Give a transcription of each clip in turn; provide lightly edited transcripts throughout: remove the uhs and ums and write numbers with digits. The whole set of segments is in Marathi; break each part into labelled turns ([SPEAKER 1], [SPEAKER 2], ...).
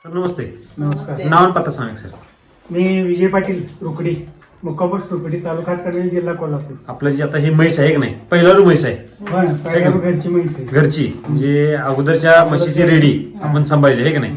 [SPEAKER 1] सर नमस्ते.
[SPEAKER 2] नमस्कार.
[SPEAKER 1] नाव आणि पत्ता सांगा सर.
[SPEAKER 2] मी विजय पाटील रुकडी, मुक्काम रुकडी, तालुका हातकणंगले, जिल्हा कोल्हापूर.
[SPEAKER 1] आपलं जी आता ही म्हैस आहे की नाही, पहिला म्हैस आहे
[SPEAKER 2] पहिल्या घरची म्हैस आहे.
[SPEAKER 1] घरची, म्हणजे अगोदरच्या म्हशीची रेडी आपण सांभाळली आहे की नाही.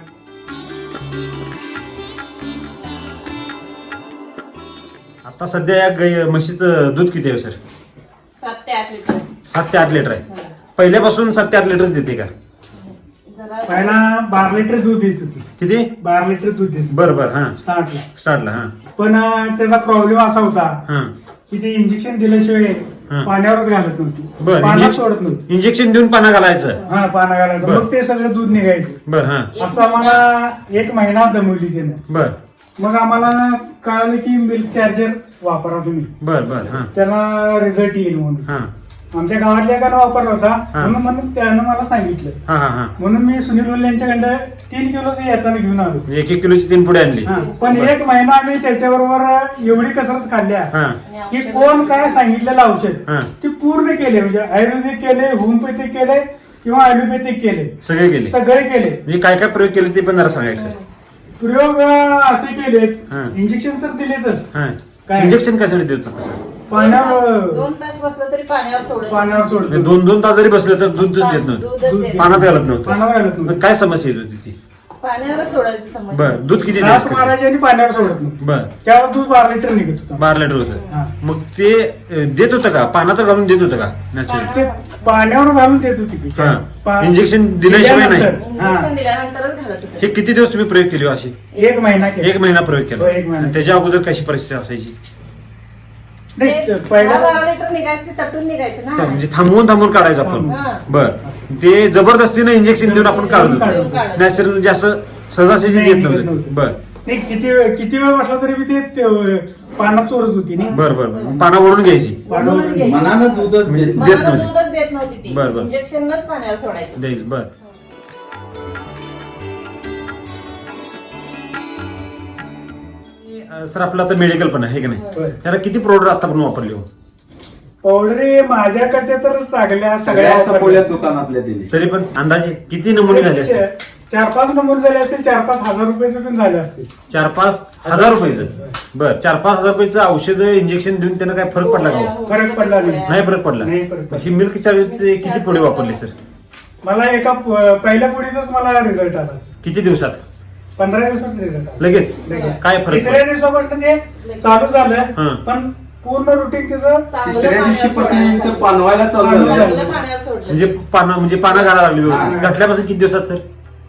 [SPEAKER 1] आता सध्या या म्हशीचं दूध किती आहे सर?
[SPEAKER 3] 7 ते 8 लिटर.
[SPEAKER 1] 7 ते 8 लिटर आहे. पहिल्यापासून 7 ते 8 लिटरच देते का?
[SPEAKER 2] पहिला 12 लिटर दूध देत होती.
[SPEAKER 1] किती?
[SPEAKER 2] 12 लिटर दूध देत
[SPEAKER 1] बरं बरं. हा
[SPEAKER 2] स्टार्टला.
[SPEAKER 1] हा
[SPEAKER 2] पण त्याचा प्रॉब्लेम असा होता
[SPEAKER 1] हा
[SPEAKER 2] की ते इंजेक्शन दिल्याशिवाय पाण्यावरच घालत नव्हती, पाण्यात सोडत नव्हती.
[SPEAKER 1] इंजेक्शन देऊन पाना घालायचं.
[SPEAKER 2] हा, पाना घालायचं, मग ते सगळं दूध निघायचं.
[SPEAKER 1] बर. हा
[SPEAKER 2] असं आम्हाला 1 महिना दमवली त्यानं.
[SPEAKER 1] बर
[SPEAKER 2] मग आम्हाला कळालं की मिल्क चार्जर वापरा तुम्ही,
[SPEAKER 1] बर बर. हा
[SPEAKER 2] त्याला रिझल्ट येईल म्हणून.
[SPEAKER 1] हा
[SPEAKER 2] आमच्या गावातल्या एकानं वापरला होता,
[SPEAKER 1] हा.
[SPEAKER 2] म्हणून त्यानं मला सांगितलं.
[SPEAKER 1] हा हा हा.
[SPEAKER 2] म्हणून मी सुनील वल्ले यांच्याकडं 3 किलोचं येताना घेऊन आलो.
[SPEAKER 1] 1 किलोची 3 पुढे आणली.
[SPEAKER 2] हा, पण 1 महिना आम्ही त्याच्याबरोबर एवढी कसरत खाल्ल्या
[SPEAKER 1] हा
[SPEAKER 2] की कोण काय सांगितलेलं औषध
[SPEAKER 1] हा.
[SPEAKER 2] ते पूर्ण केले. म्हणजे आयुर्वेदिक केले, होमिओपॅथिक केले किंवा ॲलोपॅथिक केले,
[SPEAKER 1] सगळे केले.
[SPEAKER 2] सगळे केले.
[SPEAKER 1] म्हणजे काय काय प्रयोग केले ते पण जरा सांगायचं.
[SPEAKER 2] प्रयोग असे केलेत,
[SPEAKER 1] हा.
[SPEAKER 2] इंजेक्शन तर दिलेतच.
[SPEAKER 1] हा
[SPEAKER 2] काय?
[SPEAKER 1] इंजेक्शन कशासाठी देतो कसं?
[SPEAKER 2] पाण्यावर
[SPEAKER 3] 2 तास बसलं तरी पाण्यावर सोडत.
[SPEAKER 2] पाण्यावर सोडतो.
[SPEAKER 1] 2-2 तास जरी बसले तर दूधच देत नव्हतं,
[SPEAKER 3] दूधच देत
[SPEAKER 1] पाण्यात घालत नव्हतं.
[SPEAKER 2] पाण्यावर घालत
[SPEAKER 1] मग
[SPEAKER 2] नव्हतं.
[SPEAKER 1] काय समस्या येत होती ती?
[SPEAKER 3] पाण्यावर सोडायची समस्या.
[SPEAKER 1] बर. दूध किती
[SPEAKER 2] घास
[SPEAKER 1] द्यायचं?
[SPEAKER 2] मारायचे आणि पाण्यावर सोडत नव्हतं.
[SPEAKER 1] बर.
[SPEAKER 2] त्यावर दूध 12 लिटर निघत होतं.
[SPEAKER 1] 12 लिटर
[SPEAKER 2] हा.
[SPEAKER 1] होतं. मग ते देत होतं का? पाण्यात घालून देत होतं का नॅचरल?
[SPEAKER 2] ते पाण्यावर घालून देत होती ती.
[SPEAKER 1] हा. इंजेक्शन दिल्याशिवाय नाही.
[SPEAKER 3] इंजेक्शन दिल्यानंतरच घालत होते.
[SPEAKER 1] हे किती दिवस तुम्ही प्रयोग केले हो अशी?
[SPEAKER 2] 1 महिना केला.
[SPEAKER 1] 1 महिना प्रयोग केला.
[SPEAKER 2] हो, 1 महिना.
[SPEAKER 1] त्याच्या अगोदर कशी परिस्थिती असायची?
[SPEAKER 3] ते
[SPEAKER 2] पहिला
[SPEAKER 3] 12 लिटर निघायचं, ते तटून निघायचं ना.
[SPEAKER 1] म्हणजे थांबवून काढायचं आपण.
[SPEAKER 3] हा.
[SPEAKER 1] बर. ते जबरदस्तीने इंजेक्शन देऊन आपण काढत
[SPEAKER 2] काढून
[SPEAKER 1] होतो.
[SPEAKER 3] काढत.
[SPEAKER 1] नॅचरल म्हणजे असं सहजासहजी
[SPEAKER 2] नाही,
[SPEAKER 1] देत
[SPEAKER 2] देत
[SPEAKER 1] नव्हतं.
[SPEAKER 2] नव्हतं.
[SPEAKER 1] बर
[SPEAKER 2] नाही, किती वेळ बसला तरी मी ते पाण्यात चोरत होती नाही.
[SPEAKER 1] बर बर. पाना ओढून घ्यायची.
[SPEAKER 3] ओढूनच घ्यायची.
[SPEAKER 4] मनानं दूधच देत
[SPEAKER 1] देत
[SPEAKER 3] मनाला
[SPEAKER 1] नव्हती.
[SPEAKER 3] दूधच देत नव्हती ती.
[SPEAKER 1] बरं, बरं.
[SPEAKER 3] इंजेक्शनच पाण्यावर सोडायचं.
[SPEAKER 1] द्यायचं. बर. सर आपलं आता मेडिकल पण आहे की नाही,
[SPEAKER 2] होय.
[SPEAKER 1] त्याला किती प्रोडक्ट आता पण वापरले हो?
[SPEAKER 2] पावडरी माझ्याकडच्या तर सगळ्या
[SPEAKER 4] सगळ्या सपोल्या दुकानातल्या दिली.
[SPEAKER 1] तरी पण अंदाजे किती नमुने झाले असते?
[SPEAKER 2] 4-5 नंबर झाले असतील, 4-5 हजार रुपयाचे पण झाले असतील.
[SPEAKER 1] 4-5 हजार रुपयाचं. बर. 4-5 हजार रुपयाचं औषध इंजेक्शन देऊन त्यानं काय फरक पडला का हो?
[SPEAKER 2] फरक पडला नाही.
[SPEAKER 1] नाही फरक पडला.
[SPEAKER 2] नाही फरक पडला.
[SPEAKER 1] ही मिल्क चार्जरचे किती पुढे वापरले सर?
[SPEAKER 2] मला एका पहिल्या पुढीतच मला रिझल्ट आला.
[SPEAKER 1] किती दिवसात?
[SPEAKER 2] 15 दिवसात रिझल्ट आला.
[SPEAKER 1] लगेच
[SPEAKER 2] लगेच.
[SPEAKER 1] काय फरक
[SPEAKER 2] तिसऱ्या
[SPEAKER 1] पडला?
[SPEAKER 2] दिवसापासून ते चालू
[SPEAKER 1] हा.
[SPEAKER 2] झालं, पण पूर्ण रुटीन त्याचं
[SPEAKER 3] चांगलं
[SPEAKER 4] तिसऱ्या
[SPEAKER 3] पाण्यावर
[SPEAKER 4] दिवशीपासून
[SPEAKER 3] सोडायचं.
[SPEAKER 4] यांचं पानवायला चालू
[SPEAKER 2] पानवायला.
[SPEAKER 4] झालं.
[SPEAKER 3] चांगलं पाण्यावर सोडलं.
[SPEAKER 1] म्हणजे पाना घालायला लागली व्यवस्थित.
[SPEAKER 4] हा.
[SPEAKER 1] घातल्यापासून किती दिवसात सर?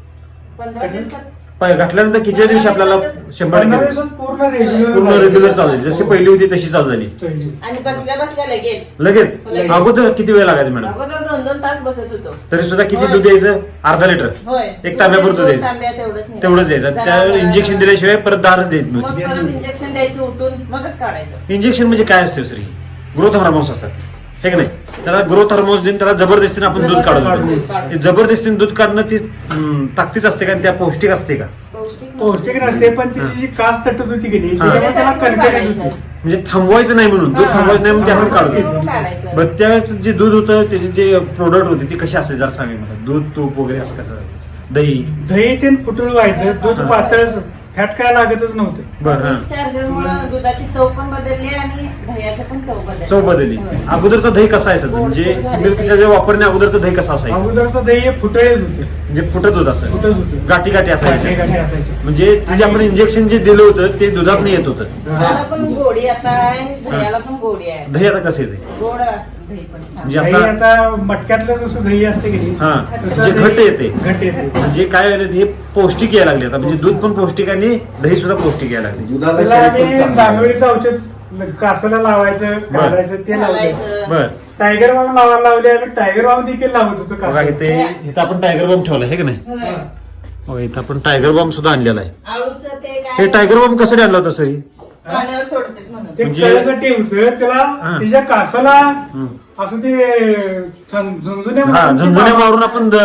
[SPEAKER 3] 15 दिवसात.
[SPEAKER 1] घातल्यानंतर किती दिवशी आपल्याला 100
[SPEAKER 2] 15
[SPEAKER 1] टक्के
[SPEAKER 2] दिवसात पूर्ण रेग्युलर
[SPEAKER 1] पूर्ण रेग्युलर चालू झाली? जशी पहिली होती तशी चालू झाली
[SPEAKER 3] आणि बसल्या बसल्या लगेच.
[SPEAKER 1] लगेच?
[SPEAKER 3] लगेच.
[SPEAKER 1] अगोदर किती वेळ लागायचा मॅडम?
[SPEAKER 3] अगोदर 2-2 तास बसत होतो.
[SPEAKER 1] तरी सुद्धा किती
[SPEAKER 3] होय.
[SPEAKER 1] दूध द्यायचं? अर्धा लिटर.
[SPEAKER 3] होय.
[SPEAKER 1] एक तांब्यापुरतं
[SPEAKER 3] दोन
[SPEAKER 1] द्यायचं.
[SPEAKER 3] तांब्या तेवढंच नाही.
[SPEAKER 1] तेवढंच द्यायचं.
[SPEAKER 3] जरा-
[SPEAKER 1] त्यावर इंजेक्शन दिल्याशिवाय परत दारच देत
[SPEAKER 3] मग
[SPEAKER 1] नव्हती.
[SPEAKER 3] परत इंजेक्शन द्यायचं उठून मगच काढायचं.
[SPEAKER 1] इंजेक्शन म्हणजे काय असते सर? ग्रोथ हार्मोन्स असतात हे की नाही? त्याला ग्रोथ हार्मोन्स देऊन त्याला जबरदस्तीने आपण दूध काढतो.
[SPEAKER 3] काढतो.
[SPEAKER 1] हे जबरदस्तीने दूध काढणं ती ताकदीच असते का? त्या पौष्टिक असते का?
[SPEAKER 2] पौष्टिक नसते, पण तिची जी कास तटत होती की नाही,
[SPEAKER 1] हा.
[SPEAKER 2] त्याच्यामुळे त्याला कणकण येत होती.
[SPEAKER 1] म्हणजे थांबवायचं नाही म्हणून, दूध
[SPEAKER 3] हा.
[SPEAKER 1] थांबवायचं नाही म्हणून ते आपण काढतो.
[SPEAKER 3] थांबवून काढायचं.
[SPEAKER 1] बरं, त्यावेळेस जे दूध होतं त्याचे जे प्रोडक्ट होते ते कसे असायचे जरा सांगा मला. दूध, तूप वगैरे असं कसं? दही?
[SPEAKER 2] दही ते फुटूळ व्हायचं, दूध
[SPEAKER 1] हा.
[SPEAKER 2] पातळ, फॅट काय लागतच नव्हतं.
[SPEAKER 1] बरं.
[SPEAKER 3] मिल्क चार्जरमुळे दुधाची चव पण बदलली आणि दह्याची पण चव बदलली.
[SPEAKER 1] चव बदलली.
[SPEAKER 3] होय.
[SPEAKER 1] अगोदरचं दही कसं असायचं?
[SPEAKER 3] गोडसर
[SPEAKER 1] म्हणजे
[SPEAKER 3] झाले
[SPEAKER 1] मिल्क
[SPEAKER 3] दही.
[SPEAKER 1] चार्जर वापरण्या अगोदरचं दही कसं असायचं?
[SPEAKER 2] अगोदरचं दही फुटळेच होते,
[SPEAKER 1] म्हणजे फुटत होत असं,
[SPEAKER 2] फुटत होते,
[SPEAKER 1] गाठी गाठी असायच्या.
[SPEAKER 2] गाठी असायचे.
[SPEAKER 1] म्हणजे ते जे आपण इंजेक्शन जे दिलं होतं ते दुधात नाही येत होतं.
[SPEAKER 3] दुधाला पण गोडी आता आहे आणि दह्याला पण गोडी आहे.
[SPEAKER 1] दही आता कसं येते?
[SPEAKER 3] गोड दही पण छान.
[SPEAKER 1] म्हणजे
[SPEAKER 2] दही
[SPEAKER 1] आता
[SPEAKER 2] आता मटक्यातलं जसं दही असते की नाही,
[SPEAKER 1] हा
[SPEAKER 2] तसं
[SPEAKER 1] म्हणजे
[SPEAKER 2] दही
[SPEAKER 1] घट्ट येते.
[SPEAKER 2] घट्ट येते.
[SPEAKER 1] म्हणजे काय व्हायला हे पौष्टिक यायला लागले आता. म्हणजे दूध पण पौष्टिक आणि दही सुद्धा पौष्टिक यायला लागले.
[SPEAKER 4] दुधाला
[SPEAKER 2] त्याला
[SPEAKER 4] शरीर पण
[SPEAKER 2] आम्ही
[SPEAKER 4] चांगलं.
[SPEAKER 2] दानोळीचं औषध कासाला लावायचं, घालायचं, ते लावायचं.
[SPEAKER 3] घालायचं.
[SPEAKER 1] बर.
[SPEAKER 2] टायगर बाम लावायला लावले, आम्ही टायगर बाम देखील लावत होतो
[SPEAKER 1] बघा
[SPEAKER 2] कासाला.
[SPEAKER 1] इथे इथं आपण टायगर बॉम्ब ठेवला आहे की नाही?
[SPEAKER 3] होय.
[SPEAKER 1] हो, इथं आपण टायगर बॉम्ब सुद्धा आणलेला आहे.
[SPEAKER 3] आळूचं ते
[SPEAKER 1] हे
[SPEAKER 3] काय
[SPEAKER 1] टायगर बॉम्ब कसं आणलं होतं सर?
[SPEAKER 3] पाण्यावर सोडतात म्हणून.
[SPEAKER 2] ते
[SPEAKER 1] म्हणजे-
[SPEAKER 2] कळायसाठी होतं त्याला,
[SPEAKER 1] हा.
[SPEAKER 2] तिच्या कासाला
[SPEAKER 1] हं.
[SPEAKER 2] असं ते झुंझुन्या
[SPEAKER 1] हा, झुंझुन्या मारून आपण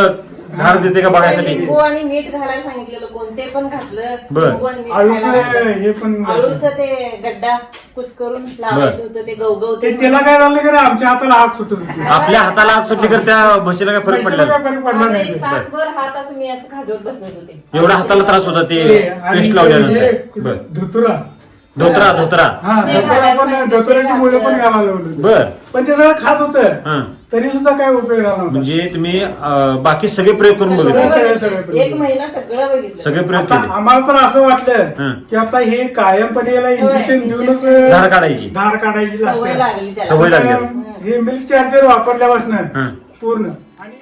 [SPEAKER 1] धार देते का बघायसाठी.
[SPEAKER 3] लिंबू आणि मीठ घालायला सांगितलेलं कोणते पण घातलं.
[SPEAKER 1] बरं.
[SPEAKER 3] लिंबू आणि मीठ
[SPEAKER 2] आळूचं
[SPEAKER 3] घालायला
[SPEAKER 2] हे पण
[SPEAKER 3] आळूचं ते गड्डा कुस्करून लावायचं होतं ते गवगवते.
[SPEAKER 2] त्याला काय झालं की आमच्या हाताला आग सुटत होती.
[SPEAKER 1] आपल्या हाताला हात सुटली तर त्या म्हशीला काय फरक पडला
[SPEAKER 2] पैशाला
[SPEAKER 1] नाही.
[SPEAKER 2] काय फरक पडला नाही.
[SPEAKER 3] एक तासभर हात असं मी असं खाजवत बसत होते.
[SPEAKER 1] एवढा हाताला त्रास होता ते
[SPEAKER 2] आणि
[SPEAKER 1] पेस्ट लावल्यानंतर. बर
[SPEAKER 2] धुतुरा
[SPEAKER 1] धोत्रा
[SPEAKER 2] हा
[SPEAKER 3] ते
[SPEAKER 2] धुतुरा
[SPEAKER 3] घालायला
[SPEAKER 2] पण
[SPEAKER 3] सांगितलं,
[SPEAKER 2] धुतुऱ्याची
[SPEAKER 3] ते
[SPEAKER 2] मुलं पण
[SPEAKER 3] घातलं.
[SPEAKER 2] घालायला लावली होती.
[SPEAKER 1] बर
[SPEAKER 2] पण ते सगळं खात होतं
[SPEAKER 1] हा
[SPEAKER 2] तरी सुद्धा काय उपयोग झाला नव्हता.
[SPEAKER 1] म्हणजे तुम्ही बाकी सगळे प्रयोग करून
[SPEAKER 3] सगळं
[SPEAKER 1] बघितले.
[SPEAKER 3] बघितलं. एक महिना सगळं बघितलं.
[SPEAKER 1] सगळे प्रयोग
[SPEAKER 2] आता
[SPEAKER 1] केले.
[SPEAKER 2] आम्हाला तर असं वाटलं
[SPEAKER 1] हं.
[SPEAKER 2] की आता हे कायमपणे याला इंजेक्शन
[SPEAKER 3] होय,
[SPEAKER 2] देऊनच
[SPEAKER 1] धार काढायची.
[SPEAKER 2] धार काढायची
[SPEAKER 3] सवय
[SPEAKER 2] लागते.
[SPEAKER 3] लागली त्याला.
[SPEAKER 1] सवय लागली.
[SPEAKER 2] आता हे मिल्क चार्जर वापरल्यापासून
[SPEAKER 1] हं.
[SPEAKER 2] पूर्ण आणि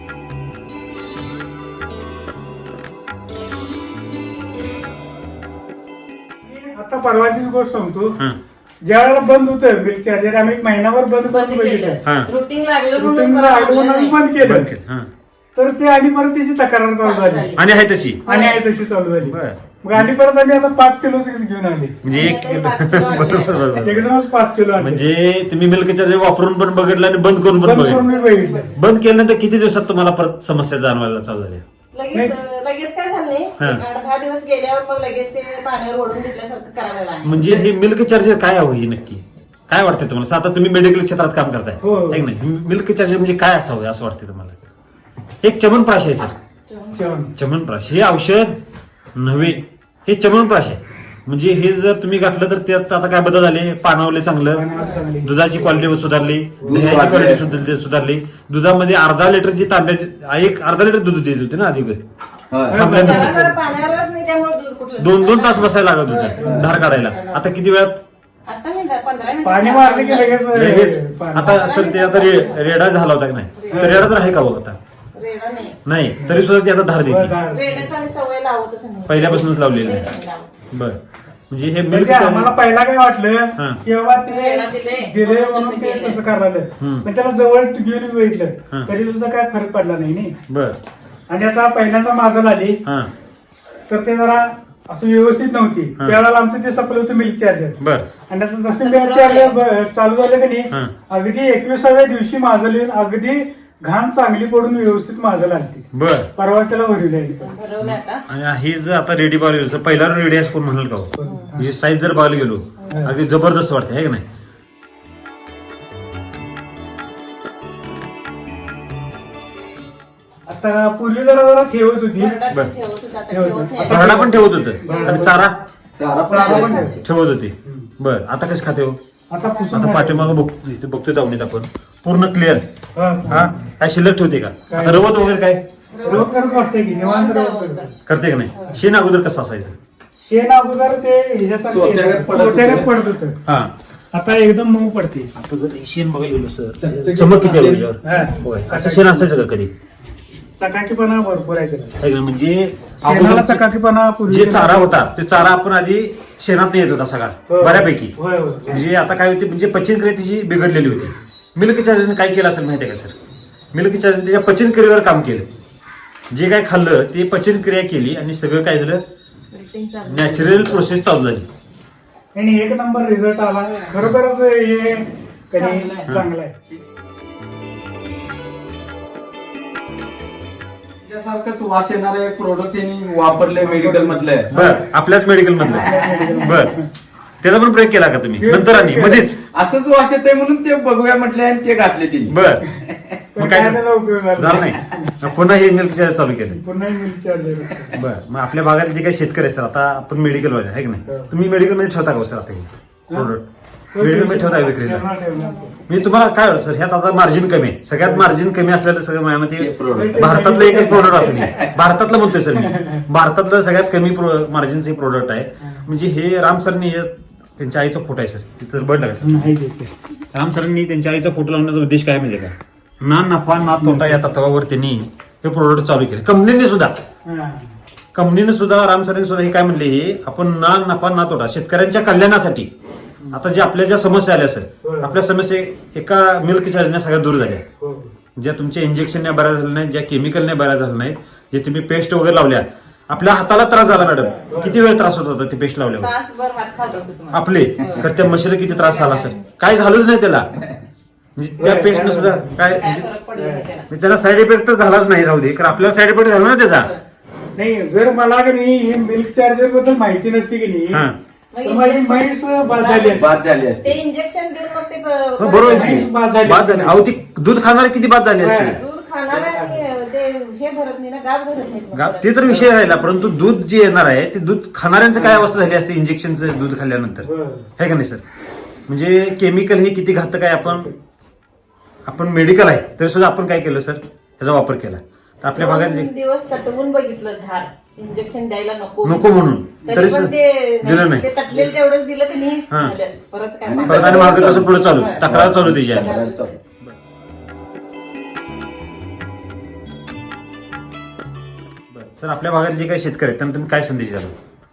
[SPEAKER 2] आता परवाचीच गोष्ट सांगतो
[SPEAKER 1] हं.
[SPEAKER 2] ज्या वेळेला बंद होतं मिल्क चार्जर आम्ही एक महिनाभर बंद
[SPEAKER 3] बंद
[SPEAKER 2] करून बघितलं
[SPEAKER 3] केलं.
[SPEAKER 1] हा.
[SPEAKER 3] रुटीन लागलं
[SPEAKER 2] रुटीन
[SPEAKER 3] म्हणून परत
[SPEAKER 2] आठवण
[SPEAKER 3] आणलं नाही.
[SPEAKER 2] बंद केलं
[SPEAKER 1] बंद केलं. हं.
[SPEAKER 2] तर ते आणि परत त्याची तक्रार चालू झाली
[SPEAKER 1] आणि आहे तशी.
[SPEAKER 2] आणि आहे तशी चालू झाली
[SPEAKER 1] बर.
[SPEAKER 2] मग आणि परत आम्ही आता 5 किलो घेऊन आले
[SPEAKER 1] म्हणजे एक
[SPEAKER 3] आणि आता 5 किलो आणले.
[SPEAKER 1] बरोबर, बरोबर.
[SPEAKER 2] एकदमच 5 किलो आणले
[SPEAKER 1] म्हणजे तुम्ही मिल्क चार्जर वापरून पण बघितलं आणि बंद करून पण
[SPEAKER 2] बंद करून
[SPEAKER 1] बघितलं.
[SPEAKER 2] मी बघितलं
[SPEAKER 1] बंद केल्यानंतर किती दिवसात तुम्हाला परत समस्या जाणवायला चालू झाल्या.
[SPEAKER 3] लगेच काय झालं नाही
[SPEAKER 1] हा.
[SPEAKER 3] 8-10 दिवस गेल्यावर मग लगेच ते पाण्यावर ओढून घेतल्यासारखं करायला लागलं.
[SPEAKER 1] म्हणजे हे मिल्क चार्जर काय हवं हे नक्की काय वाटतंय तुम्हाला. आता तुम्ही मेडिकल क्षेत्रात काम करताय
[SPEAKER 2] हो.
[SPEAKER 1] है की नाही. मिल्क चार्जर म्हणजे काय असावं असं वाटतंय तुम्हाला. एक चमनप्राश आहे सर.
[SPEAKER 2] जेवण.
[SPEAKER 1] चमनप्राश हे औषध नव्हे हे चमनप्राश आहे. म्हणजे हे जर तुम्ही घातलं तर त्यात आता काय बदल झाले. पानावले चांगलं,
[SPEAKER 2] पानावर चांगली.
[SPEAKER 1] दुधाची क्वालिटी सुधारली,
[SPEAKER 4] दूध
[SPEAKER 1] दह्याची
[SPEAKER 4] वाढलं.
[SPEAKER 1] क्वालिटी सुधारली. दुधामध्ये अर्धा लिटरची तांब्या एक अर्धा लिटर दूध देत होते ना आधी.
[SPEAKER 4] होय.
[SPEAKER 1] थांबल्यानंतर
[SPEAKER 3] त्याला जरा पाण्यावरच नाही त्यामुळे दूध कुठलं
[SPEAKER 1] 2-2 तास बसायला लागत
[SPEAKER 3] होय.
[SPEAKER 1] होतं धार काढायला. आता किती वेळात
[SPEAKER 3] आता मी 15 मिनिटं
[SPEAKER 2] पाणी मारलं की लगेच
[SPEAKER 1] लगेच.
[SPEAKER 2] पाणी.
[SPEAKER 1] आता सर ते आता रेडा झाला होता की नाही तर रेडा तर आहे का बघ आता
[SPEAKER 3] रेडा नाही.
[SPEAKER 1] नाही तरी सुद्धा ती आता धार देते.
[SPEAKER 2] धार.
[SPEAKER 3] रेड्याचा आम्ही सवय लावतच नाही.
[SPEAKER 1] पहिल्यापासूनच लावलेली आहे.
[SPEAKER 3] तेच नाही लावत.
[SPEAKER 1] बर म्हणजे हे मिल्क
[SPEAKER 2] म्हणजे आम्हाला पहिला काय
[SPEAKER 1] हा.
[SPEAKER 2] वाटलं की बाबा ते
[SPEAKER 3] रेडा दिले,
[SPEAKER 2] दिले
[SPEAKER 3] म्हणून
[SPEAKER 2] म्हणून
[SPEAKER 3] तसं
[SPEAKER 2] ते
[SPEAKER 3] केलं.
[SPEAKER 2] तसं करायला
[SPEAKER 1] हम्म.
[SPEAKER 2] पण त्याला जवळ घेऊन
[SPEAKER 1] हा.
[SPEAKER 2] बघितलं तरी सुद्धा काय फरक पडला नाही.
[SPEAKER 1] बर
[SPEAKER 2] आणि आता पहिल्यांदा माझं आली
[SPEAKER 1] हा
[SPEAKER 2] तर ते जरा असं व्यवस्थित नव्हती
[SPEAKER 1] हा.
[SPEAKER 2] त्यावेळेला आमचं ते सप्लाय होतं मिल्क चार्जर
[SPEAKER 1] बर
[SPEAKER 2] आणि आता जसं मिल्क चार्जर चालू झालं की
[SPEAKER 1] हा.
[SPEAKER 2] नाही अगदी 21व्या दिवशी माझं लिहून अगदी घाण चांगली पडून व्यवस्थित माझं लागते
[SPEAKER 1] बर
[SPEAKER 2] परवा त्याला भरवली आहे.
[SPEAKER 3] भरवलं आता.
[SPEAKER 1] आणि ही जर आता रेडी बघायला गेलो पहिला रेडी कोण म्हणाल का हो? म्हणजे साईज जर बघायला गेलो अगदी जबरदस्त वाटते है की नाही.
[SPEAKER 2] आता पूर्वी जरा जरा ठेवत होती
[SPEAKER 3] भरडात
[SPEAKER 1] बरं.
[SPEAKER 3] ठेवत होतं, आता
[SPEAKER 2] ठेवत
[SPEAKER 3] ठेवत
[SPEAKER 2] होतं.
[SPEAKER 3] नाही.
[SPEAKER 1] भरडा पण ठेवत होतं आणि चारा
[SPEAKER 4] चारा पण
[SPEAKER 2] चारा पण
[SPEAKER 4] आहे.
[SPEAKER 2] ठेवते.
[SPEAKER 1] ठेवत होते. बर आता कसं खाते हो.
[SPEAKER 2] आता पुसून
[SPEAKER 1] आता पाठीमागं इथे बघतोय दावणीत आपण पूर्ण क्लिअर.
[SPEAKER 2] हा.
[SPEAKER 1] हा काय शिल्लक ठेवते का आता रवत वगैरे काय
[SPEAKER 2] रोज करत असते की निवांत रोज करत.
[SPEAKER 1] करते का नाही. शेण अगोदर कसं असायचं.
[SPEAKER 2] शेण अगोदर ते ह्याच्यासारखे
[SPEAKER 4] चोथ्यागत पडत होतं.
[SPEAKER 2] चोथ्यागत पडत होतं
[SPEAKER 1] हा
[SPEAKER 2] आता एकदम मऊ पडते.
[SPEAKER 1] आता जर हे शेण बघायला गेलो सर चमक किती आहे याच्यावर?
[SPEAKER 2] हा.
[SPEAKER 1] होय. असं शेण असायचं का कधी
[SPEAKER 2] चकाकीपणा भरपूर आहे त्याला.
[SPEAKER 1] है का नाही? म्हणजे
[SPEAKER 2] शेणाला
[SPEAKER 1] अगोदर
[SPEAKER 2] चकाकीपणा पूर्वी
[SPEAKER 1] जे चारा होता ते चारा आपण आधी शेणात येत होता सगळा
[SPEAKER 2] होय.
[SPEAKER 1] बऱ्यापैकी.
[SPEAKER 2] होय होय
[SPEAKER 1] म्हणजे आता काय होते म्हणजे पचनक्रिया तिची बिघडलेली होती. मिल्क चार्जरने काय केलं असेल माहितीये का सर. मिल्क चार्जर त्याच्या पचनक्रियेवर काम केलं. जे काय खाल्लं ते पचनक्रिया केली आणि सगळं काय झालं
[SPEAKER 3] Routine चालू.
[SPEAKER 1] नॅचरल प्रोसेस चालू झाली.
[SPEAKER 2] आणि एक नंबर रिझल्ट आला खरोखरच हे
[SPEAKER 3] चांगलं आहे.
[SPEAKER 2] चांगलं आहे.
[SPEAKER 4] त्यासारखंच वास येणारे प्रोडक्ट यांनी वापरले मेडिकल मधले.
[SPEAKER 1] बर आपल्याच मेडिकल मधलं. बर त्याचा पण प्रयोग केला का तुम्ही नंतर आणि मध्येच.
[SPEAKER 4] असंच वास येते म्हणून ते बघूया म्हटले आणि ते घातले तिने.
[SPEAKER 1] बर
[SPEAKER 2] पण
[SPEAKER 1] मग
[SPEAKER 2] काय
[SPEAKER 1] काय
[SPEAKER 2] त्याचा उपयोग
[SPEAKER 1] झालं
[SPEAKER 2] झाला
[SPEAKER 1] नाही. मग पुन्हा हे मिल्क चार्जर चालू केलं.
[SPEAKER 2] पुन्हा मिल्क चार्जर
[SPEAKER 1] बर मग आपल्या भागात जे काही शेतकरी आहे सर आता आपण मेडिकल वाले आहे की नाही तुम्ही मेडिकल मध्ये ठेवता का हो सर आता हे प्रोडक्ट मेडिकल मध्ये ठेवता का विक्रीला. म्हणजे तुम्हाला काय वाटतं सर ह्यात आता मार्जिन कमी आहे. सगळ्यात मार्जिन कमी असलेलं सगळं
[SPEAKER 4] हे
[SPEAKER 1] माझ्यामध्ये
[SPEAKER 4] product.
[SPEAKER 1] भारतातलं एकच प्रोडक्ट असेल हे. भारतातलं म्हणतोय सर मी भारतातलं सगळ्यात कमी मार्जिनचं हे प्रोडक्ट आहे. म्हणजे हे राम सरनी त्यांच्या आईचा फोटो आहे सर तिथं बघलं का सर.
[SPEAKER 2] नाही देते.
[SPEAKER 1] राम सरांनी त्यांच्या आईचा फोटो लावण्याचा उद्देश काय माहिती का ना नफा ना तोटा या तत्वावर त्यांनी हे प्रोडक्ट चालू केले. कंपनीने सुद्धा
[SPEAKER 2] हा.
[SPEAKER 1] राम सरांनी सुद्धा हे काय म्हणले हे आपण ना नफा ना तोटा शेतकऱ्यांच्या कल्याणासाठी आता जे आपल्या ज्या समस्या आल्या सर आपल्या समस्या एका मिल्क चार्जरने सगळ्या दूर झाल्या.
[SPEAKER 2] हो.
[SPEAKER 1] ज्या तुमच्या इंजेक्शनने बऱ्या झाल्या नाहीत ज्या केमिकलने बऱ्या झाल्या नाहीत जे तुम्ही पेस्ट वगैरे लावल्या आपल्या हाताला त्रास झाला मॅडम. किती वेळ त्रास होत होता ते पेस्ट लावल्यावर
[SPEAKER 3] तासभर हात खात होते तुम्हाला.
[SPEAKER 1] आपले तर त्या म्हशीला किती त्रास झाला असेल काय झालंच नाही त्याला. म्हणजे त्या पेशंट सुद्धा काय
[SPEAKER 3] काय फरक पडला नाही त्याला.
[SPEAKER 1] म्हणजे त्याला साईड इफेक्ट तर झालाच नाही, राहू दे, कारण आपल्याला साईड इफेक्ट झाला ना त्याचा.
[SPEAKER 2] नाही जर मला की नाही हे मिल्क चार्जर बद्दल माहिती नसती की नाही
[SPEAKER 1] हा
[SPEAKER 2] तर माझी म्हैस बाद झाली असती.
[SPEAKER 4] बाद झाली
[SPEAKER 3] ते
[SPEAKER 4] असते.
[SPEAKER 3] इंजेक्शन देऊन मग ते
[SPEAKER 1] हो, बरोबर आहे
[SPEAKER 2] म्हैस
[SPEAKER 1] की.
[SPEAKER 2] बाद झाली.
[SPEAKER 1] बाद झाली. अहो ती दूध खाणारी किती बाद झाली असते.
[SPEAKER 3] दूध खाणार आणि ते हे भरत नाही ना, गाव भरत नाही मग परत.
[SPEAKER 1] ते तर विषय राहिला, परंतु दूध जे येणार आहे ते दूध खाणाऱ्यांचं काय अवस्था झाली असते इंजेक्शनचं दूध खाल्ल्यानंतर,
[SPEAKER 2] बरं.
[SPEAKER 1] है का नाही सर? म्हणजे केमिकल हे किती घातक आहे. आपण मेडिकल आहे तरी सुद्धा आपण काय केलं सर, त्याचा वापर केला. तर आपल्या भागात
[SPEAKER 3] 2 दिवस तटवून बघितलं धार, इंजेक्शन द्यायला नको
[SPEAKER 1] म्हणून
[SPEAKER 3] तरी
[SPEAKER 1] तरी
[SPEAKER 3] पण
[SPEAKER 1] सुद्धा
[SPEAKER 3] ते
[SPEAKER 1] दिलं नाही.
[SPEAKER 3] ते तटलेलं तेवढंच दिलं की नाही
[SPEAKER 1] हा.
[SPEAKER 3] झालं. परत काय
[SPEAKER 1] परत आणि मागं तसं पुढे चालू,
[SPEAKER 3] हा.
[SPEAKER 1] तक्रार चालू त्याची आहे.
[SPEAKER 4] करायला चालू.
[SPEAKER 1] सर आपल्या भागात जे काही शेतकरी आहेत त्यांना तुम्ही काय संदेश द्याल?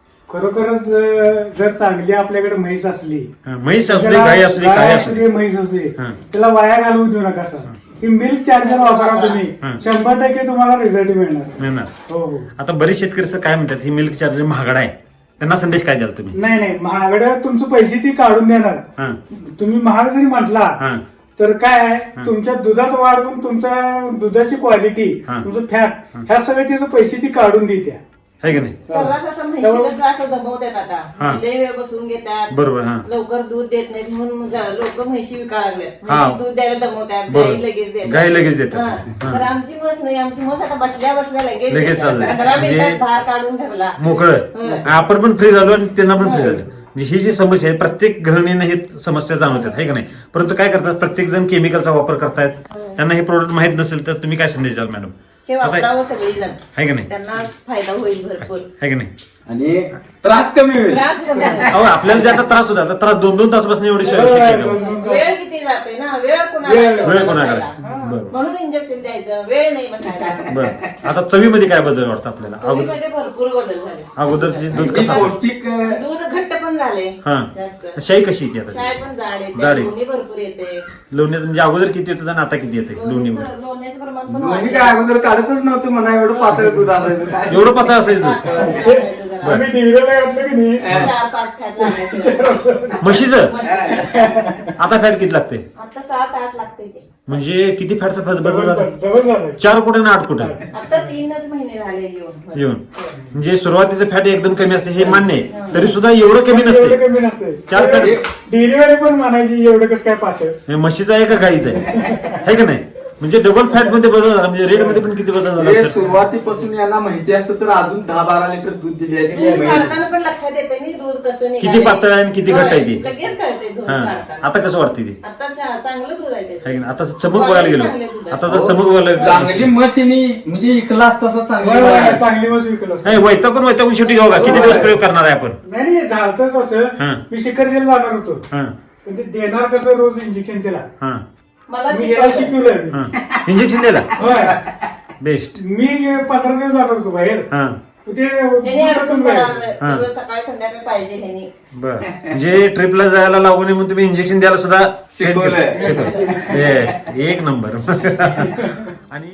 [SPEAKER 2] खरोखरच जर चांगली आपल्याकडे म्हैस असली,
[SPEAKER 1] म्हैस असू दे,
[SPEAKER 2] त्याला
[SPEAKER 1] गाय असू दे, काय
[SPEAKER 2] गाय
[SPEAKER 1] असू
[SPEAKER 2] असू
[SPEAKER 1] दे,
[SPEAKER 2] दे, म्हैस असू दे,
[SPEAKER 1] हा.
[SPEAKER 2] त्याला वाया घालवू देऊ नका सर. ही मिल्क चार्जर वापरा तुम्ही,
[SPEAKER 1] हा.
[SPEAKER 2] 100% तुम्हाला रिझल्ट मिळणार.
[SPEAKER 1] मिळणार.
[SPEAKER 2] हो हो.
[SPEAKER 1] आता बरेच शेतकरी सर काय म्हणतात, ही मिल्क चार्जर महागडा आहे, त्यांना संदेश काय द्याल तुम्ही?
[SPEAKER 2] नाही महागड्या तुमचे पैसे ती काढून देणार.
[SPEAKER 1] हा
[SPEAKER 2] तुम्ही महाग जरी म्हटला
[SPEAKER 1] हा
[SPEAKER 2] तर काय आहे, तुमच्या दुधात वाढवून तुमच्या दुधाची क्वालिटी,
[SPEAKER 1] हा.
[SPEAKER 2] तुमचं फॅट, ह्या सगळे तिचे पैसे ती काढून देत्या.
[SPEAKER 1] है की नाही?
[SPEAKER 3] सर्रास असं म्हैशी कसं असं दमवतात
[SPEAKER 1] हा.
[SPEAKER 3] आता, लय वेळ बसून घेतात,
[SPEAKER 1] बरोबर. हा
[SPEAKER 3] लवकर दूध देत नाहीत म्हणून लोक म्हैशी विकायला लागले.
[SPEAKER 1] हा.
[SPEAKER 3] म्हैशी दूध द्यायला दमवतात,
[SPEAKER 1] बरोबर.
[SPEAKER 3] गाई लगेच देतात.
[SPEAKER 1] गाई लगेच देतात.
[SPEAKER 3] हा.
[SPEAKER 1] हा.
[SPEAKER 3] तर आमची म्हस नाही, आमची म्हस आता बसल्या लगेच
[SPEAKER 1] लगेच
[SPEAKER 3] देतात.
[SPEAKER 1] चाललंय.
[SPEAKER 3] 15
[SPEAKER 1] म्हणजे
[SPEAKER 3] मिनिटात धार काढून ठेवला.
[SPEAKER 1] मोकळं. आपण पण फ्री झालो आणि त्यांना पण फ्री झालं. म्हणजे ही जी समस्या आहे प्रत्येक गृहिणीने हे समस्या जाणवतात, है का नाही? परंतु काय करतात, प्रत्येक जण केमिकलचा वापर करतायत. त्यांना हे प्रोडक्ट माहित नसेल तर तुम्ही काय संदेश द्याल मॅडम?
[SPEAKER 3] हे वापरावं सगळी जण,
[SPEAKER 1] है का नाही?
[SPEAKER 3] त्यांना फायदा होईल भरपूर.
[SPEAKER 1] है का नाही?
[SPEAKER 4] आणि त्रास कमी होईल.
[SPEAKER 3] त्रास कमी होईल.
[SPEAKER 1] अहो आपल्याला जे आता त्रास होता, आता त्रास 2-2 तास बसणे एवढी शक्य नाही.
[SPEAKER 3] वेळ किती जातोय ना, वेळ
[SPEAKER 2] वेळ
[SPEAKER 3] कुणाला
[SPEAKER 1] कोणाकडे?
[SPEAKER 3] बसायला.
[SPEAKER 1] बरं.
[SPEAKER 3] म्हणून इंजेक्शन द्यायचं, वेळ नाही बसायला.
[SPEAKER 1] बरं, आता चवीमध्ये काय बदल वाटतं आपल्याला?
[SPEAKER 3] चवीमध्ये भरपूर बदल झाले.
[SPEAKER 1] अगोदरची दूध
[SPEAKER 4] आणि
[SPEAKER 1] कसं
[SPEAKER 4] पौष्टिक
[SPEAKER 3] दूध घट्ट पण झाले
[SPEAKER 1] हा
[SPEAKER 3] जास्त.
[SPEAKER 1] शाई कशी येते आता?
[SPEAKER 3] शाय पण जाड येते,
[SPEAKER 1] जाड आहे.
[SPEAKER 3] लोणी भरपूर येते.
[SPEAKER 1] लोणी म्हणजे अगोदर किती येतं आणि आता किती येते लोणीमध्ये?
[SPEAKER 3] लोण्याचं प्रमाण पण
[SPEAKER 4] दोन्ही
[SPEAKER 3] वाढलं.
[SPEAKER 4] काय अगोदर काढतच नव्हतं म्हणा, एवढं पातळ दूध असायचं काय.
[SPEAKER 1] एवढं पातळ असायचं दूध?
[SPEAKER 3] असायचं जरा.
[SPEAKER 2] आम्ही डिलिव्हरी घातलं की नाही,
[SPEAKER 3] 4-5 फॅट लागायचं.
[SPEAKER 1] म्हशीचं
[SPEAKER 3] म्हशीचं.
[SPEAKER 1] आता फॅट किती लागते?
[SPEAKER 3] आता 7-8 लागते ते.
[SPEAKER 1] म्हणजे किती फॅटचा फॅट बदल झाला?
[SPEAKER 2] डबल झालं.
[SPEAKER 1] 4 कुठे ना 8 कुठे
[SPEAKER 3] आता 3च महिने झाले येऊन.
[SPEAKER 1] येऊन. म्हणजे सुरुवातीचं फॅट एकदम कमी असते हे मान्य आहे, तरी सुद्धा एवढं कमी नसते.
[SPEAKER 2] एवढं कमी नसते.
[SPEAKER 1] 4 फॅट
[SPEAKER 2] डिलिव्हरी पण म्हणायची एवढं कसं काय पातळ.
[SPEAKER 1] हे म्हशीचं आहे का गाईचं आहे, है का नाही? म्हणजे डबल फॅट मध्ये बदल झाला, म्हणजे रेट मध्ये पण किती बदल
[SPEAKER 4] हे
[SPEAKER 1] झाला?
[SPEAKER 4] सुरुवातीपासून यांना माहिती असतं तर अजून 10-12 लिटर दूध दिली
[SPEAKER 3] दूध
[SPEAKER 4] असते.
[SPEAKER 3] काढताना पण लक्षात येते मी दूध कसं निघालंय.
[SPEAKER 1] किती पातळ आहे आणि किती घट्ट आहे ती?
[SPEAKER 3] होय, लगेच कळते दूध
[SPEAKER 1] हा
[SPEAKER 3] काढताना.
[SPEAKER 1] आता कसं वाटते ती?
[SPEAKER 3] आता चांगलं दूध आहे ते.
[SPEAKER 1] है की नाही? आता चमक बघायला गेलो,
[SPEAKER 3] चांगलं दूध आहे.
[SPEAKER 1] आता जर चमक बघायला
[SPEAKER 4] चांगली मशीनी म्हणजे इकलास तसा चांगली
[SPEAKER 2] होय,
[SPEAKER 4] बघायला.
[SPEAKER 2] चांगली मस्त विकलं असतं.
[SPEAKER 1] नाही वैतागून शेवटी घेऊ का? किती दिवस प्रयोग करणार आहे आपण?
[SPEAKER 2] नाही झालतच
[SPEAKER 1] हा.
[SPEAKER 2] असं. मी शिखरजीला जाणार होतो,
[SPEAKER 1] हा
[SPEAKER 2] पण ते देणार कसं रोज इंजेक्शन त्याला.
[SPEAKER 1] हा
[SPEAKER 3] मला
[SPEAKER 2] मी याला
[SPEAKER 3] शिकवलं.
[SPEAKER 2] शिकवलंय.
[SPEAKER 1] हा इंजेक्शन दिला
[SPEAKER 2] होय.
[SPEAKER 1] बेस्ट.
[SPEAKER 2] मी 15 दिवस जाणार होतो बाहेर.
[SPEAKER 1] हा
[SPEAKER 2] ते
[SPEAKER 3] ह्याने अडकून
[SPEAKER 1] हा.
[SPEAKER 3] पडावं. रोज सकाळी संध्याकाळी पाहिजे ह्यानी.
[SPEAKER 1] बर म्हणजे ट्रिपला जायला लागू नये म्हणून तुम्ही इंजेक्शन द्यायला सुद्धा
[SPEAKER 4] शिकवलंय.
[SPEAKER 1] Yes, एक नंबर. आणि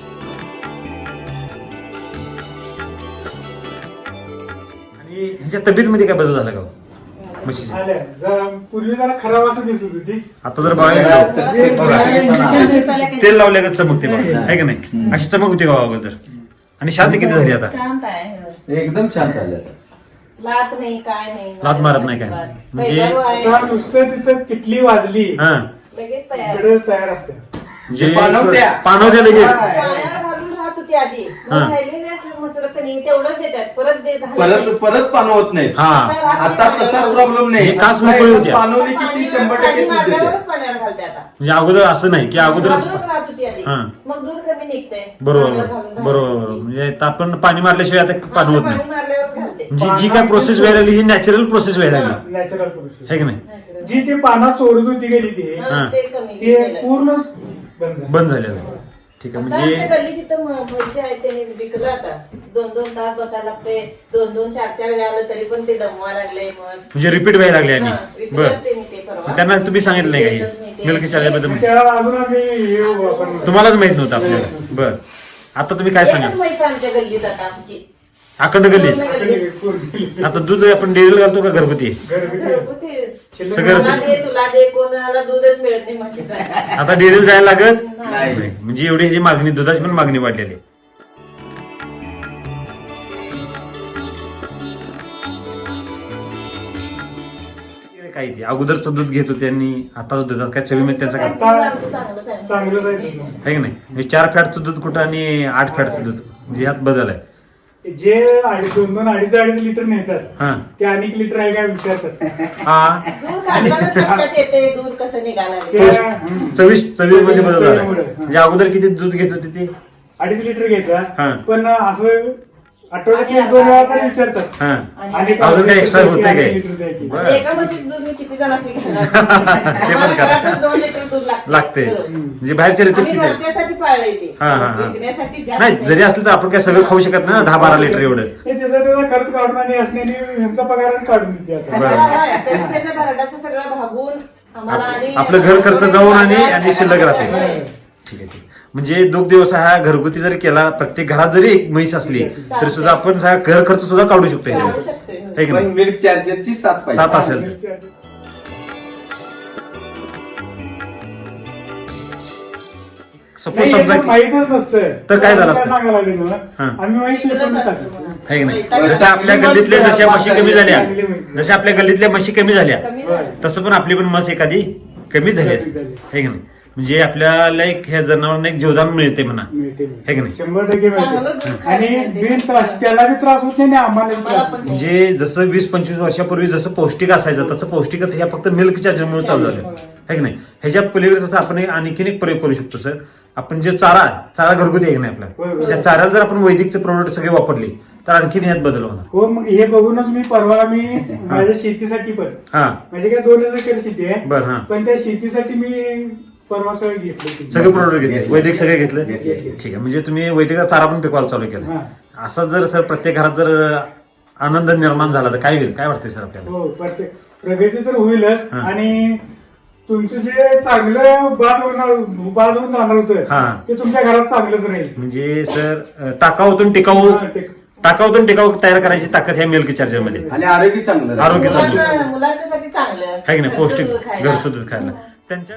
[SPEAKER 1] ह्याच्या तब्येतीमध्ये काय बदल झाला का म्हशीच्या?
[SPEAKER 2] आल्या. पूर्वी जरा खराब असं दिसत होती.
[SPEAKER 1] आता जर बघायला
[SPEAKER 3] इंजेक्शन दिसायला किती
[SPEAKER 1] तेल लावल्या चमकते बघा, आहे का नाही? अशी चमक होती का अगोदर? आणि शांत किती झाली आता?
[SPEAKER 3] शांत आहे.
[SPEAKER 4] एकदम शांत आलं.
[SPEAKER 3] लात नाही काय नाही.
[SPEAKER 1] लाथ मारत नाही काय? म्हणजे-
[SPEAKER 3] पहिला आहे,
[SPEAKER 2] आता नुसतं तिथं किटली वाजली
[SPEAKER 1] हा
[SPEAKER 3] लगेच तयार.
[SPEAKER 2] इकडे तयार असते.
[SPEAKER 1] म्हणजे
[SPEAKER 4] पाणवत्या.
[SPEAKER 1] पाणवत्या लगेच.
[SPEAKER 3] पाण्यावर घालून राहत होती आधी.
[SPEAKER 1] हा.
[SPEAKER 3] मग राहिलेले असले मसर कणी तेवढंच देतात. परत घालत नाही.
[SPEAKER 4] परत पाणवत नाही.
[SPEAKER 1] हा
[SPEAKER 4] आता तसा प्रॉब्लेम नाही.
[SPEAKER 1] हे कास मोकळी होत्या.
[SPEAKER 4] पाणवली किती 100%
[SPEAKER 3] पाणी
[SPEAKER 4] दूध देते.
[SPEAKER 3] मारल्यावरच पाण्यावर घालते आता.
[SPEAKER 1] म्हणजे अगोदर असं नाही की अगोदर
[SPEAKER 3] घालूनच राहत होती आधी.
[SPEAKER 1] हा.
[SPEAKER 3] मग दूध कमी निघतंय.
[SPEAKER 1] बरोबर
[SPEAKER 3] पाण्यावर घालून
[SPEAKER 1] बरोबर
[SPEAKER 3] घालत
[SPEAKER 1] बरोबर.
[SPEAKER 3] होती.
[SPEAKER 1] म्हणजे आता आपण पाणी मारल्याशिवाय आता पाणी होत
[SPEAKER 3] पाणी
[SPEAKER 1] नाही.
[SPEAKER 3] मारल्यावरच घालते.
[SPEAKER 1] म्हणजे जी काय प्रोसेस व्हायला लागली ही नॅचरल प्रोसेस व्हायला लागली,
[SPEAKER 2] नॅचरल प्रोसेस.
[SPEAKER 1] है की नाही?
[SPEAKER 2] जी ते पाना चोरत होती गेली ती,
[SPEAKER 1] हा.
[SPEAKER 3] ते कमी
[SPEAKER 2] ते
[SPEAKER 3] केलं.
[SPEAKER 2] पूर्णच बंद झालं.
[SPEAKER 1] बंद झालेलं आहे. ठीक आहे
[SPEAKER 3] आता आमच्या
[SPEAKER 1] म्हणजे
[SPEAKER 3] गल्ली तिथं म्हशी आहेत त्यांनी विकलं आता. 2-2 तास बसायला लागते. 2-2, 4-4 वेळा आलं तरी पण ते दमवा लागले म्हस.
[SPEAKER 1] म्हणजे रिपीट व्हायला लागले
[SPEAKER 3] हा,
[SPEAKER 1] आणि
[SPEAKER 3] विकलं
[SPEAKER 1] बर
[SPEAKER 3] असते नी ते परवा.
[SPEAKER 1] त्यांना तुम्ही सांगितलं नाही
[SPEAKER 3] देतच नाही
[SPEAKER 1] काही
[SPEAKER 3] ते.
[SPEAKER 1] मिल्क चार्जरबद्दल?
[SPEAKER 2] त्याला अजून आम्ही हे वापरलं.
[SPEAKER 1] तुम्हालाच माहित नव्हतं आपल्याला. बर आता तुम्ही काय
[SPEAKER 3] एकच
[SPEAKER 1] सांगा?
[SPEAKER 3] म्हैस आमच्या गल्लीत आता आमची.
[SPEAKER 1] अखंड गल्ली
[SPEAKER 2] पूर्ण
[SPEAKER 1] आता दूध आपण डेअरीला घालतो का घरगुती
[SPEAKER 3] घरगुती
[SPEAKER 1] सगळं
[SPEAKER 3] मला दे तुला दे कोणाला दूधच मिळत नाही म्हशीचं
[SPEAKER 1] आता डेअरीला जायला लागत
[SPEAKER 3] नाही.
[SPEAKER 1] नाही. म्हणजे एवढी ह्याची मागणी दुधाची पण मागणी वाढलेली आहे. काय ते अगोदरचं दूध घेत होते आणि आता दुधात काय चवीमध्ये त्याचा काय
[SPEAKER 3] चांगलंच आहे.
[SPEAKER 2] चांगलंच आहे तुझं.
[SPEAKER 1] आहे की नाही म्हणजे 4 फॅटचं दूध कुठं आणि 8 फॅटचं दूध म्हणजे ह्यात बदल आहे.
[SPEAKER 2] जे 2-2-2.5 लिटर नेतात
[SPEAKER 1] हा
[SPEAKER 2] ते अनेक लिटर आहे काय विचारतात.
[SPEAKER 1] हा
[SPEAKER 3] दूध घालतानाच लक्षात येते दूध कसं निघालं
[SPEAKER 2] ते
[SPEAKER 1] चवीमध्ये बदल झाला
[SPEAKER 2] चवीमुळे.
[SPEAKER 1] म्हणजे अगोदर किती दूध घेत होते ते
[SPEAKER 2] 2.5 लिटर
[SPEAKER 1] हा.
[SPEAKER 2] घेतात पण असं आठवड्यात 1-2 वेळा तर विचारतात.
[SPEAKER 1] हा
[SPEAKER 2] आणि
[SPEAKER 1] अजून काय extra होतंय काय?
[SPEAKER 2] 2 लिटर द्या की.
[SPEAKER 1] बरं.
[SPEAKER 3] एका म्हशीचं दूध मी किती जणांनी घालणार
[SPEAKER 1] ते पण करा.
[SPEAKER 3] घरातच 2 लिटर दूध
[SPEAKER 1] लागते
[SPEAKER 3] बरोबर.
[SPEAKER 1] म्हणजे बाहेरच्या रीतीत
[SPEAKER 3] आम्ही
[SPEAKER 1] किती आहे?
[SPEAKER 3] घरच्यासाठी पाळलंय ते
[SPEAKER 1] हा, हा, हा.
[SPEAKER 3] विकण्यासाठी जास्त
[SPEAKER 1] नाही जरी असलं तर आपण काय सगळं खाऊ शकत नाही ना 10-12 लिटर एवढं
[SPEAKER 2] हे त्याचा खर्च काढून आणि असण्याने यांचा पगार काढून देते आता.
[SPEAKER 1] बरं.
[SPEAKER 3] त्याचं भरडाचं सगळं भागून आम्हाला आणि
[SPEAKER 1] आपलं घर खर्च जाऊन आणि शिल्लक राहते.
[SPEAKER 3] होय.
[SPEAKER 1] ठीक आहे ठीक आहे. म्हणजे दुग्ध व्यवसाय हा घरगुती जरी केला प्रत्येक घरात जरी एक म्हैस असली तरी सुद्धा आपण घर खर्च सुद्धा काढू शकतो
[SPEAKER 3] काढू
[SPEAKER 1] ह्याच्यावर.
[SPEAKER 3] शकतोय होय.
[SPEAKER 1] है की
[SPEAKER 4] पण
[SPEAKER 1] नाही
[SPEAKER 4] मिल्क चार्जरची 7 पाहिजे.
[SPEAKER 1] 7 असेल तर. सपोज
[SPEAKER 2] नाही,
[SPEAKER 1] समजा
[SPEAKER 2] याचं माहीतच नसतं
[SPEAKER 1] तर काय झालं असतं?
[SPEAKER 2] सांगायला लागले मला
[SPEAKER 1] हा.
[SPEAKER 2] आम्ही म्हैस विकून
[SPEAKER 3] असतं
[SPEAKER 2] टाकली.
[SPEAKER 3] म्हणा.
[SPEAKER 1] है की नाही
[SPEAKER 3] वैताग
[SPEAKER 1] जशा आपल्या गल्लीतल्या जशा म्हशी कमी झाल्या
[SPEAKER 2] चांगली म्हैस.
[SPEAKER 1] जशा आपल्या गल्लीतल्या म्हशी कमी झाल्या
[SPEAKER 3] कमी झालं.
[SPEAKER 1] तसं पण आपली पण म्हस एखादी कमी झाली असते
[SPEAKER 2] कमी झाली.
[SPEAKER 1] है की नाही म्हणजे आपल्याला एक ह्या जनावरांना एक जीवदान मिळते म्हणा
[SPEAKER 2] मिळते.
[SPEAKER 1] है की नाही
[SPEAKER 2] 100%
[SPEAKER 3] चांगलं
[SPEAKER 2] मिळते.
[SPEAKER 3] दूध खायला
[SPEAKER 2] आणि
[SPEAKER 3] मिळते.
[SPEAKER 2] बिन त्रास त्याला बी त्रास होत नाही आणि आम्हाला बी
[SPEAKER 3] आम्हाला
[SPEAKER 2] त्रास
[SPEAKER 3] पण
[SPEAKER 2] होत
[SPEAKER 1] म्हणजे जसं 20-25 वर्षापूर्वी जसं पौष्टिक असायचं तसं पौष्टिक ह्या फक्त मिल्क चार्जरमुळे चालू झालं है की नाही ह्याच्या पलीकडे जसं आपण आणखीन एक प्रयोग करू शकतो सर आपण जे चारा घरगुती आहे की नाही आपला
[SPEAKER 2] होय.
[SPEAKER 1] त्या चाऱ्याला जर आपण वैदिकचे प्रोडक्ट सगळे वापरले तर आणखीन ह्यात बदल होणार
[SPEAKER 2] हो मग हे बघूनच मी परवा माझ्या शेतीसाठी पण
[SPEAKER 1] हा
[SPEAKER 2] म्हणजे काय 2 एकर शेती आहे
[SPEAKER 1] बर हा
[SPEAKER 2] पण त्या शेतीसाठी मी परवा सगळं घेतलं
[SPEAKER 1] सगळे प्रोडक्ट घेतले वैदिक सगळे घेतले
[SPEAKER 2] घेतले.
[SPEAKER 1] ठीक आहे म्हणजे तुम्ही वैदिकचा चारा पण पिकवायला चालू केला
[SPEAKER 2] हा.
[SPEAKER 1] असं जर सर प्रत्येक घरात जर आनंद निर्माण झाला तर काय होईल काय वाटतंय सर आपल्याला
[SPEAKER 2] हो प्रत्येक प्रगती तर होईलच
[SPEAKER 1] हा.
[SPEAKER 2] आणि तुमचं जे चांगलं बाद होऊन जाणार होतं
[SPEAKER 1] हा.
[SPEAKER 2] ते तुमच्या घरात चांगलंच राहील.
[SPEAKER 1] म्हणजे सर टाकाऊतून टिकाऊ
[SPEAKER 2] हा, ते-
[SPEAKER 1] टाकाऊतून टिकाऊ तयार करायची ताकद ह्या मिल्क चार्जर मध्ये
[SPEAKER 4] आणि आरोग्य चांगलं राहतं.
[SPEAKER 1] आरोग्य चांगलं
[SPEAKER 3] मुलांच्यासाठी चांगलं
[SPEAKER 1] आहे की नाही
[SPEAKER 3] घरचं
[SPEAKER 1] पौष्टिक
[SPEAKER 3] दूध खायला.
[SPEAKER 1] घरचं दूध खायला त्यांच्या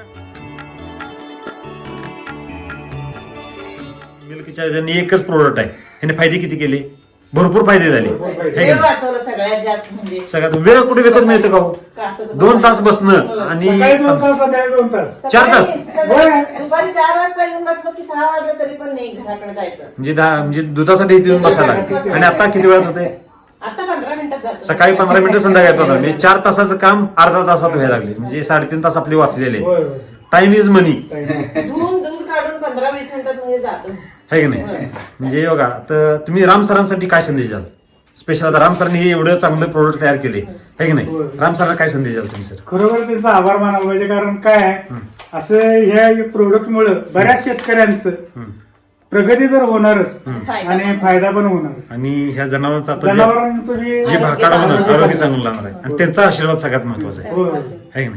[SPEAKER 1] मिल्क चार्जरने एकच प्रोडक्ट आहे ह्याने फायदे किती केले भरपूर फायदे झाले
[SPEAKER 2] भरपूर फायदे.
[SPEAKER 1] है की
[SPEAKER 3] वेळ
[SPEAKER 1] नाही?
[SPEAKER 3] वाचवलं सगळ्यात जास्त म्हणजे
[SPEAKER 1] सगळ्यात वेळ कुठे विकत मिळतं का हो
[SPEAKER 3] का असं तर
[SPEAKER 1] 2 तास
[SPEAKER 3] हो.
[SPEAKER 1] बसणं आणि
[SPEAKER 2] सकाळी 2 तास संध्याकाळी 2 तास
[SPEAKER 1] 4 तास?
[SPEAKER 3] सकाळी दुपारी 4 वाजता येऊन बसलो की 6 वाजले तरी पण नाही घराकडे जायचं
[SPEAKER 1] म्हणजे दुधासाठी इथे येऊन बसायला लागतं. आणि आता किती वेळात होते
[SPEAKER 3] आता 15 मिनिटात जातो
[SPEAKER 1] सकाळी 15 मिनिटं संध्याकाळी 15 म्हणजे 4 तासाचं काम अर्धा तासात व्हायला लागले म्हणजे 3.5 तास आपले वाचलेले
[SPEAKER 2] होय, होय.
[SPEAKER 1] टाइम इज मनी
[SPEAKER 3] धुवून दूध काढून 15-20 मिनिटात म्हणजे जातो
[SPEAKER 1] है की नाही म्हणजे बघा तर तुम्ही राम सरांसाठी काय संदेश द्याल स्पेशल आता राम सरांनी हे एवढं चांगलं प्रोडक्ट तयार केले है की नाही
[SPEAKER 2] होय.
[SPEAKER 1] राम सरांना काय संदेश द्याल तुम्ही सर
[SPEAKER 2] खरोखर त्यांचा आभार मानायला पाहिजे कारण काय आहे, असं ह्या प्रोडक्ट मुळे बऱ्याच शेतकऱ्यांचं प्रगती तर होणारच
[SPEAKER 3] फायदा
[SPEAKER 2] आणि फायदा पण होणारच.
[SPEAKER 1] आणि ह्या जनावरांचा आता जे-
[SPEAKER 2] जनावरांचं बी
[SPEAKER 1] जे भाकाड होणार
[SPEAKER 2] आरोग्य
[SPEAKER 1] आरोग्य चांगलं लागणार आहे आणि त्यांचा आशीर्वाद सगळ्यात महत्वाचा आहे
[SPEAKER 2] होय.
[SPEAKER 1] है की नाही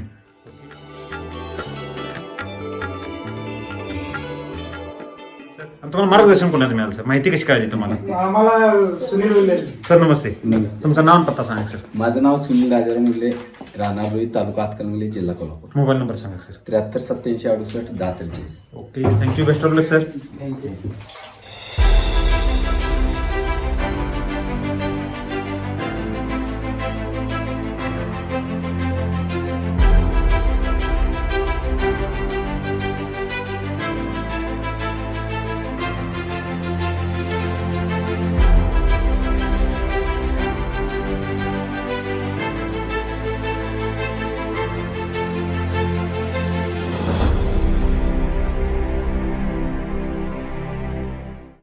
[SPEAKER 1] आणि तुम्हाला मार्गदर्शन कोणाचं मिळालं सर माहिती कशी कळली तुम्हाला
[SPEAKER 2] आम्हाला सुनील बोलले
[SPEAKER 1] सर नमस्ते
[SPEAKER 4] नमस्ते.
[SPEAKER 1] तुमचं नाव आणि पत्ता सांगा सर
[SPEAKER 4] माझं नाव सुनील राजाराम मुले राहणार रोहित तालुका हातकणंगले जिल्हा कोल्हापूर
[SPEAKER 1] मोबाईल नंबर सांगा sir
[SPEAKER 4] 73 87 68 10 43.
[SPEAKER 1] Okay thank you best of luck sir
[SPEAKER 2] thank you